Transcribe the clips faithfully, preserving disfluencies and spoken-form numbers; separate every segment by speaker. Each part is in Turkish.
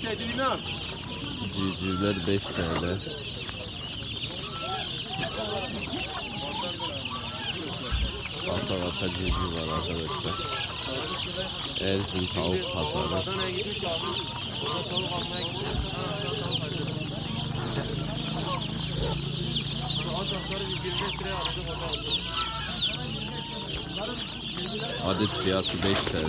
Speaker 1: Civcivler beş TL. Kasa kasa civciv var arkadaşlar. Erzin tavuk pazarı. Adet fiyatı beş TL.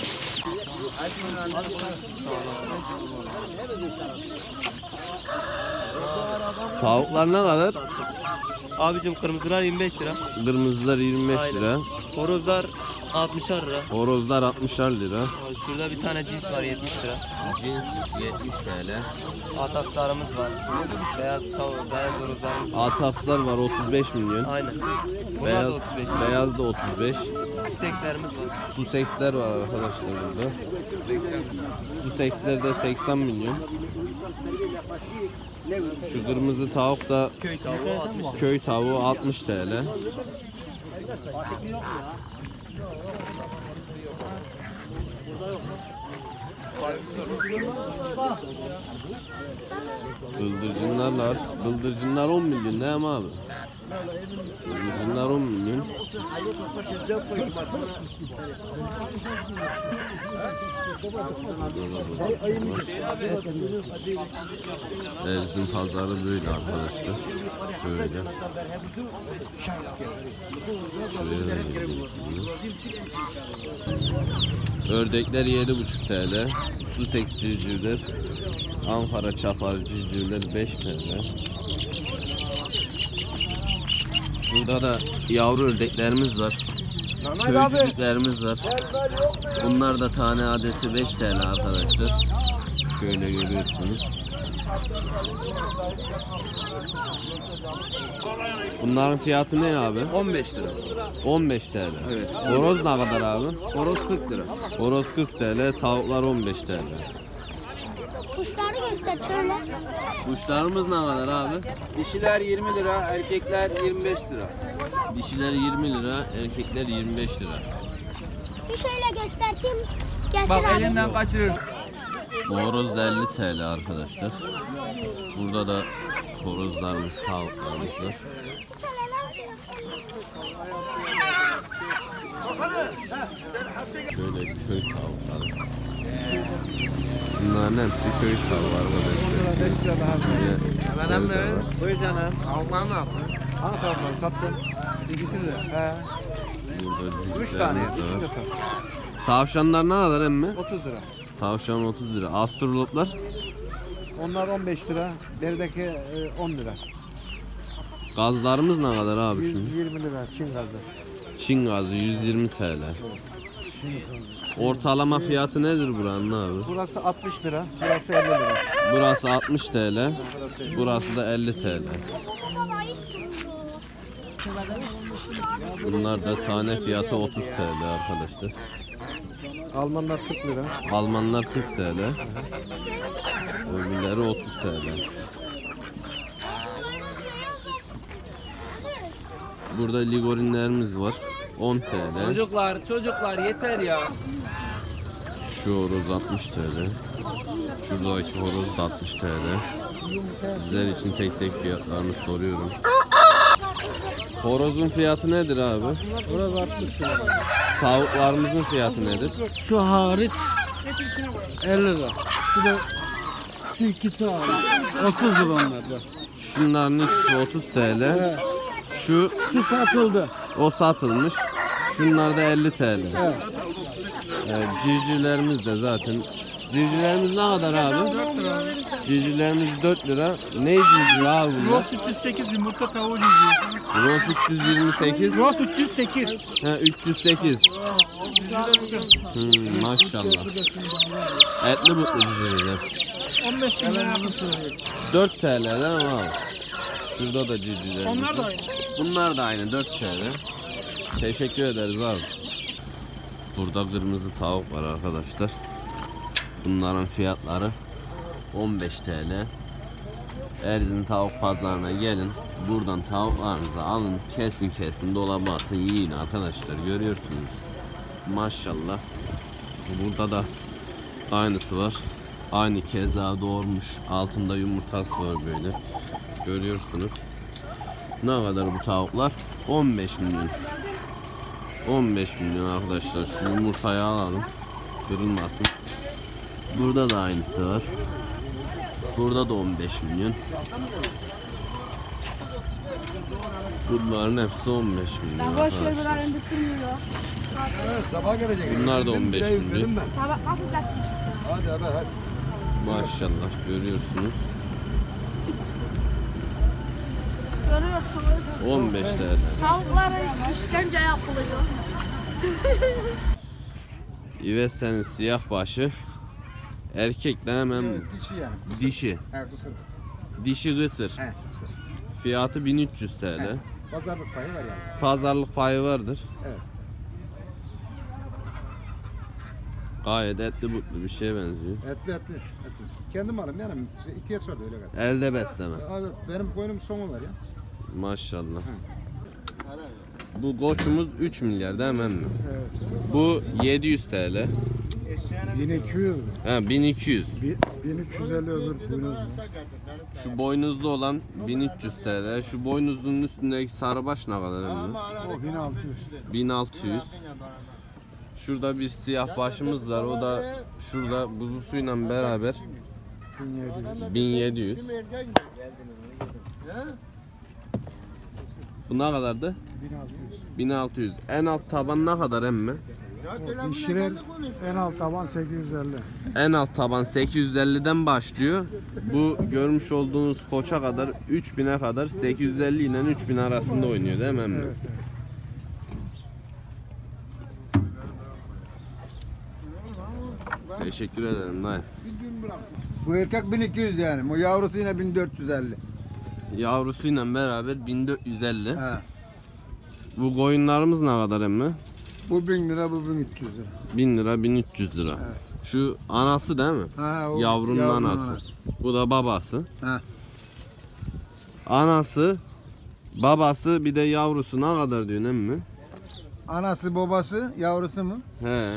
Speaker 1: Tavuklar ne kadar?
Speaker 2: Abicim kırmızılar yirmi beş lira.
Speaker 1: Kırmızılar yirmi beş
Speaker 2: Aynen.
Speaker 1: lira.
Speaker 2: Horozlar altmışar lira.
Speaker 1: Horozlar altmışar lira.
Speaker 2: Şurada bir tane cins var yetmiş lira.
Speaker 1: Cins yetmiş TL.
Speaker 2: Ataksarımız var. Beyaz tavuk, beyaz horozlarımız var.
Speaker 1: Atakslar var otuz beş milyon.
Speaker 2: Aynen. Bunlar
Speaker 1: Beyaz,
Speaker 2: da otuz beş.
Speaker 1: beyaz da otuz beş.
Speaker 2: Susekslerimiz var.
Speaker 1: Suseksler var arkadaşlar burada. Suseksler de seksen milyon. Şu kırmızı tavuk da
Speaker 2: Köy tavuğu altmış lira.
Speaker 1: köy tavuğu altmış TL. Bıldırcınlar var. Bıldırcınlar on milyon değil mi abi? Bıldırcınlar on milyon. Erzin pazarı böyle arkadaşlar. Şöyle. Şöyle de geliyorsunuz. Ördekler yedi buçuk TL. Sussex civcivler. Ankara çapar civcivler beş TL. Burada da yavru ördeklerimiz var. Köycüklerimiz var. Bunlar da tane adeti beş TL arkadaşlar. Şöyle görüyorsunuz. Bunların fiyatı ne abi?
Speaker 2: on beş lira.
Speaker 1: on beş TL.
Speaker 2: Evet.
Speaker 1: Horoz ne kadar abi?
Speaker 2: Horoz kırk lira.
Speaker 1: Horoz kırk TL, tavuklar on beş TL.
Speaker 3: Kuşları göster şöyle.
Speaker 1: Kuşlarımız ne kadar abi?
Speaker 2: Dişiler yirmi lira, erkekler yirmi beş lira.
Speaker 1: Dişiler yirmi lira, erkekler yirmi beş lira.
Speaker 3: Bir şöyle göstereyim. Getir
Speaker 2: Bak
Speaker 3: abi.
Speaker 2: elinden kaçırır.
Speaker 1: Bu horoz da elli TL arkadaşlar. Burada da horozlarımız, tavuklarımız var. Şöyle köy tavukları. Bunların hepsi köy tavuğu arkadaşlar.
Speaker 4: beş lira daha.
Speaker 1: Şöyle
Speaker 4: Hemen
Speaker 1: evde
Speaker 4: mi?
Speaker 1: var.
Speaker 4: Buyur canım. Tavuklar ne yaptın? Hangi tavukları sattın? İkisini de. He.
Speaker 1: Burada
Speaker 4: Üç tane.
Speaker 1: cücüklerimiz de
Speaker 4: Üçünü de
Speaker 1: var.
Speaker 4: sat.
Speaker 1: Tavşanlar ne kadar emmi?
Speaker 4: otuz lira.
Speaker 1: Tavşan otuz lira. Astroloplar
Speaker 4: Onlar on beş lira. Derideki e, on lira.
Speaker 1: gazlarımız ne kadar abi şimdi?
Speaker 4: yüz yirmi lira Çin gazı.
Speaker 1: Çin gazı yüz yirmi TL. Ortalama fiyatı nedir buranın abi?
Speaker 4: Burası altmış lira. Burası elli lira.
Speaker 1: Burası altmış TL. Burası da elli TL. Bunlar da tane fiyatı otuz TL arkadaşlar.
Speaker 4: Almanlar kırk lira.
Speaker 1: Almanlar kırk TL. Öbürleri otuz TL. Burada ligorinlerimiz var. on TL.
Speaker 2: Çocuklar, çocuklar yeter ya.
Speaker 1: Şu horoz altmış TL. Şuradaki horoz da altmış TL. Sizler için tek tek fiyatlarını soruyorum. Horozun fiyatı nedir abi?
Speaker 4: Burası altmış lira.
Speaker 1: Tavuklarımızın fiyatı nedir?
Speaker 4: Şu hariç elli lira. Bir de şu ikisi hariç otuz lira onlar da.
Speaker 1: Şunların ikisi otuz TL. Şu
Speaker 4: Şu satıldı.
Speaker 1: o satılmış. Şunlar da elli TL. Evet, civcivlerimiz de zaten. Civcivlerimiz ne kadar abi? Civcivlerimiz dört lira. Ne civciv abi bunlar?
Speaker 2: Ross üç yüz sekiz yumurta tavuğu cücüğü.
Speaker 1: Ross üç yüz yirmi sekiz.
Speaker 2: Ross üç yüz sekiz.
Speaker 1: Ha, üç yüz sekiz. Hmm, maşallah. Etli butlu civcivler.
Speaker 2: on beş lira.
Speaker 1: dört TL değil mi abi? Şurada da civcivlerimiz.
Speaker 2: Onlar da
Speaker 1: var.
Speaker 2: aynı.
Speaker 1: Bunlar da aynı dört TL. Teşekkür ederiz abi. Burada kırmızı tavuk var arkadaşlar. Bunların fiyatları on beş TL. Erzin tavuk pazarına gelin. Buradan tavuklarınızı alın. Kesin kesin dolaba atın, yiyin arkadaşlar. Görüyorsunuz. Maşallah. Burada da aynısı var. Aynı keza doğurmuş. Altında yumurtası var böyle. Görüyorsunuz. Ne kadar bu tavuklar? on beş milyon. on beş milyon arkadaşlar. Şu yumurtayı alalım. Kırılmasın. Burada da aynısı var. Burada da on beş milyon. Bunların hepsi on beş milyon. arkadaşlar.
Speaker 5: Evet, sabah gelecek.
Speaker 1: Bunlar da on beş
Speaker 5: Dedim
Speaker 1: milyon.
Speaker 5: ben. Hadi hadi hadi.
Speaker 1: Maşallah görüyorsunuz. on beş T L.
Speaker 3: Tavuklara işkence yapılıyor.
Speaker 1: İvese'nin siyah başı. Erkekten hemen
Speaker 5: Dişi yani.
Speaker 1: dişi.
Speaker 5: He kısır.
Speaker 1: Dişi kısır.
Speaker 5: He kısır.
Speaker 1: Fiyatı bin üç yüz T L.
Speaker 5: He. Pazarlık payı var yani.
Speaker 1: Pazarlık payı vardır.
Speaker 5: Evet.
Speaker 1: Gayet etli butlu bir şeye benziyor.
Speaker 5: Etli etli. etli. Kendim alım yani. Bize ihtiyaç vardı öyle kadar.
Speaker 1: Elde besleme.
Speaker 5: Evet benim koyunum sonu var ya.
Speaker 1: Maşallah. Bu koçumuz üç milyar değil mi emmi?
Speaker 5: Evet.
Speaker 1: Bu yedi yüz T L.
Speaker 5: bin iki yüz.
Speaker 1: Ha bin iki yüz.
Speaker 5: bin üç yüz elli öbür boynuz.
Speaker 1: Şu boynuzlu olan bin üç yüz T L. Şu boynuzlunun üstündeki sarıbaş ne kadar emmi?
Speaker 5: O bin altı yüz.
Speaker 1: bin altı yüz. Şurada bir siyah başımız var. O da şurada kuzusuyla beraber bin yedi yüz. Bu ne kadardı?
Speaker 5: bin altı yüz.
Speaker 1: bin altı yüz. En alt taban ne kadar emmi?
Speaker 5: Dişiler en alt taban sekiz yüz elli.
Speaker 1: En alt taban sekiz yüz elliden başlıyor. Bu görmüş olduğunuz koça kadar üç bine kadar sekiz yüz elli ile üç bin arasında oynuyor değil mi emmi?
Speaker 5: Evet, evet.
Speaker 1: Teşekkür ederim dayı.
Speaker 5: Bu erkek bin iki yüz yani. Bu yavrusu yine bin dört yüz elli.
Speaker 1: Yavrusuyla beraber bin dört yüz elli.
Speaker 5: He.
Speaker 1: Bu koyunlarımız ne kadar emmi?
Speaker 5: Bu bin lira, bu bin üç yüz lira.
Speaker 1: bin lira bin üç yüz lira. Şu anası değil mi?
Speaker 5: Ha, o
Speaker 1: Yavrunun
Speaker 5: yavrunun
Speaker 1: anası.
Speaker 5: anası.
Speaker 1: Bu da babası.
Speaker 5: Ha.
Speaker 1: Anası, babası bir de yavrusu ne kadar diyorsun emmi?
Speaker 5: Anası, babası, yavrusu mu?
Speaker 1: He.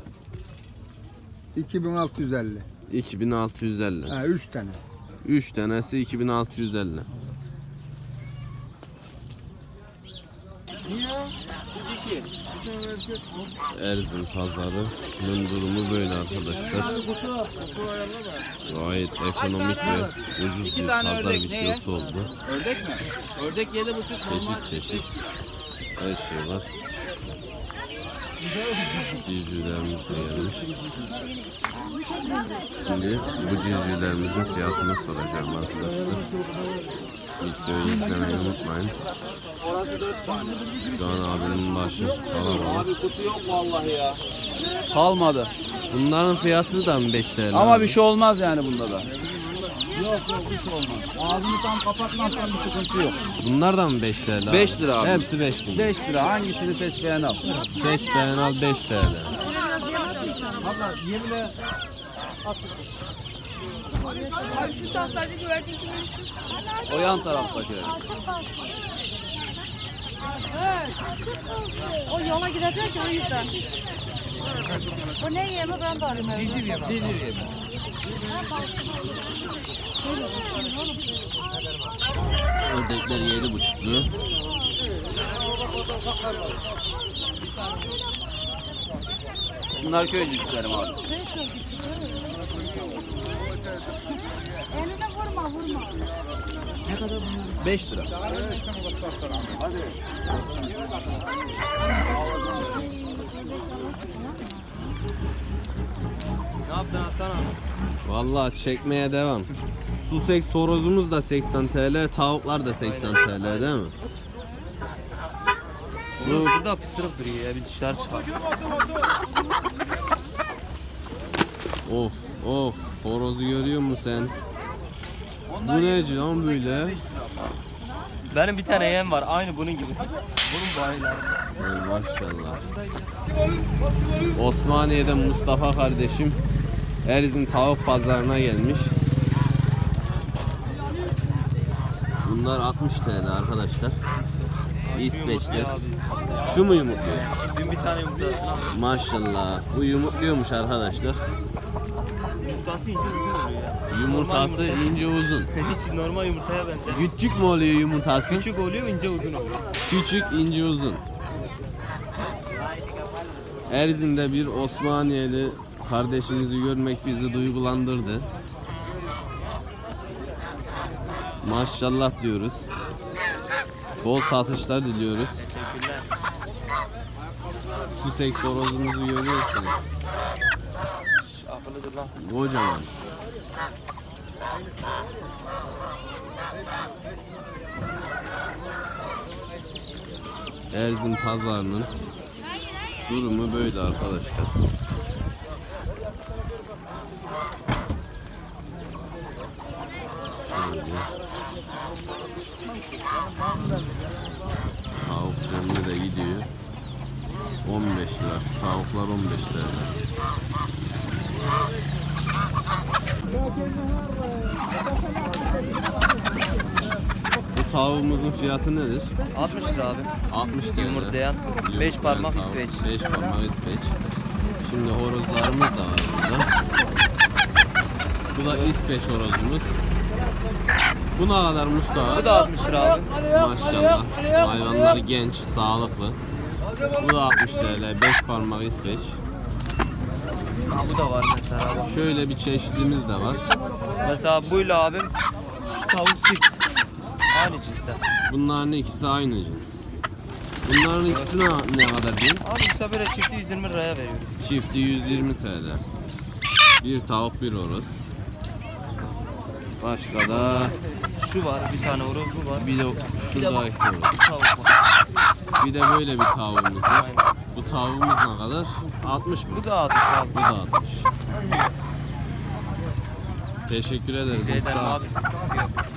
Speaker 5: iki bin altı yüz elli.
Speaker 1: iki bin altı yüz elli.
Speaker 5: Ha, üç tane.
Speaker 1: üç tanesi iki bin altı yüz elli. Erzin pazarı durumu böyle arkadaşlar. Gayet ekonomik ve ucuz bir pazar videosu oldu.
Speaker 2: Ördek mi? Ördek yedi buçuk.
Speaker 1: Çeşit çeşit her şey var. Civcivlerimiz de gelmiş. Şimdi bu civcivlerimizin fiyatını soracağım arkadaşlar. Videoyu izlemeyi unutmayın.
Speaker 2: Orası dört tane.
Speaker 1: Şu an abinin başı kalabalık.
Speaker 2: Abi kutu yok vallahi ya. Kalmadı.
Speaker 1: Bunların fiyatı da mı beş T L?
Speaker 2: Ama
Speaker 1: abi?
Speaker 2: bir şey olmaz yani bunda da. Yok yok bir şey olmaz. Ağzını tam kapatmazsan bir sıkıntı yok.
Speaker 1: Bunlar da mı beş T L? abi?
Speaker 2: beş lira abi.
Speaker 1: Hepsi beş lira.
Speaker 2: beş lira hangisini seç beğen al.
Speaker 1: Seç beğen al beş T L.
Speaker 2: Abla yemle
Speaker 3: Abi şu tahtacı güvercin kimi?
Speaker 2: o yan taraftakiler.
Speaker 6: O yola gidecek o yüzden. Bu ne yemi ben de arayayım.
Speaker 2: Civciv yemi. Civciv yemi.
Speaker 1: Ördekler yedi buçuk lira.
Speaker 2: Bunlar köy civcivlerim abi.
Speaker 6: Eline vurma vurma.
Speaker 2: beş lira. Ne yaptın Hasan abi?
Speaker 1: Vallahi çekmeye devam. Sussex horozumuz da seksen T L, tavuklar da seksen T L değil mi?
Speaker 2: Bu burada pısırık duruyor ya bir dışarı çıkar.
Speaker 1: Of of horozu görüyor musun sen? Bu ne lan böyle?
Speaker 2: Benim bir tane yem var aynı bunun gibi. Bunun bayiler.
Speaker 1: Ay maşallah. Osmaniye'den Mustafa kardeşim Erzin tavuk pazarına gelmiş. Bunlar altmış T L arkadaşlar. İsveçler. Şu mu yumurtluyor?
Speaker 2: Dün bir tane yumurtasını aldım.
Speaker 1: Maşallah. Bu yumurtluyormuş arkadaşlar.
Speaker 2: Yumurtası
Speaker 7: yumurtası ince uzun oluyor ya.
Speaker 1: Yumurtası ince uzun.
Speaker 7: Hiç normal yumurtaya benzer.
Speaker 1: Küçük mü oluyor yumurtası?
Speaker 7: Küçük oluyor, ince uzun oluyor.
Speaker 1: Küçük, ince, uzun. Erzin'de bir Osmaniyeli kardeşimizi görmek bizi duygulandırdı. Maşallah diyoruz. Bol satışlar diliyoruz.
Speaker 7: Teşekkürler.
Speaker 1: Sussex horozumuzu görüyorsunuz.
Speaker 7: Şş, akıllıdır lan.
Speaker 1: Kocaman. Erzin pazarının durumu böyle arkadaşlar. Şöyle. Tavuk canlı da gidiyor. on beş lira. Şu tavuklar on beş lira. Bu tavuğumuzun fiyatı nedir?
Speaker 7: altmış lira abi.
Speaker 1: altmış lira.
Speaker 7: Yumurtlayan, beş parmak İsveç.
Speaker 1: beş parmak İsveç. Şimdi horozlarımız da var burada. Bu da İsveç horozumuz. Bu ne kadar Mustafa?
Speaker 7: Bu da altmış lira abi.
Speaker 1: Maşallah. Hayvanlar genç, sağlıklı. Bu da altmış TL. beş parmak İsveç.
Speaker 7: Ha, bu da var mesela bak.
Speaker 1: Şöyle bir çeşidimiz de var.
Speaker 7: Mesela buyla abim şu tavuk çift. Aynı cinsten.
Speaker 1: Bunların ikisi aynı cins. Bunların ikisi ne, ne kadar diyeyim?
Speaker 7: Abi işte böyle çifti yüz yirmi liraya veriyoruz.
Speaker 1: Çifti yüz yirmi TL. Bir tavuk, bir horoz. Başka da
Speaker 7: Şu var, bir tane horoz bu var.
Speaker 1: bir de şurada horoz.
Speaker 7: Tavuk var.
Speaker 1: Bir de böyle bir tavuğumuz var. Bu tavuğumuz ne kadar? altmış mı?
Speaker 7: Bu da altmış abi.
Speaker 1: Bu da altmış. Teşekkür ederiz.
Speaker 7: Rica ederim
Speaker 1: Mustafa.
Speaker 7: abi.